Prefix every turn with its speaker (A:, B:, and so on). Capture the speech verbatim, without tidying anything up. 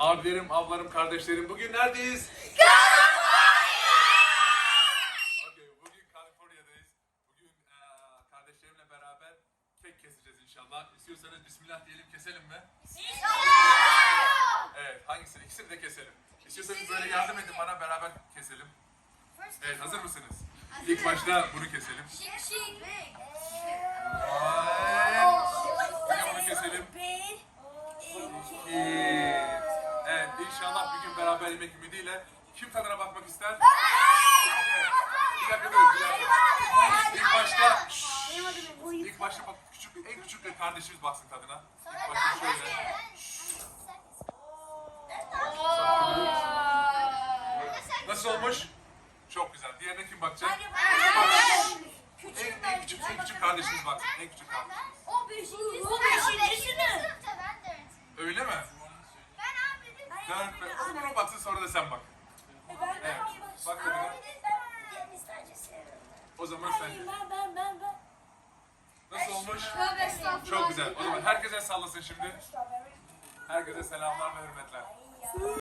A: Abilerim, ablarım, kardeşlerim, bugün neredeyiz? Okay, bugün Kaliforniya'dayız. Bugün eee, kardeşlerimle beraber kek keseceğiz inşallah. İstiyorsanız Bismillah diyelim, keselim mi? Evet, hangisini? İkisini de keselim. İstiyorsanız böyle yardım edin bana, beraber keselim. Evet, hazır mısınız? İlk başta bunu keselim. Yine bunu keselim. İki. Evet, inşallah bir gün beraber yemek ümidiyle. Kim tadına bakmak ister? Evet. Bir dakika dur, bir dakika. İlk başta, ilk başta bak, küçük, en küçük bir kardeşimiz baksın tadına. İlk başta şöyle. Nasıl olmuş? Çok güzel. Diğerine kim bakacak? En, en küçük, en küçük kardeşimiz baksın. En küçük kardeşimiz. Öyle mi? Dört, beş. O zaman o baksın, sonra da sen bak. Evet. Bak tadına. O zaman sen de. Nasıl olmuş? Çok güzel. O zaman herkese sallasın şimdi. Herkese selamlar ve hürmetler.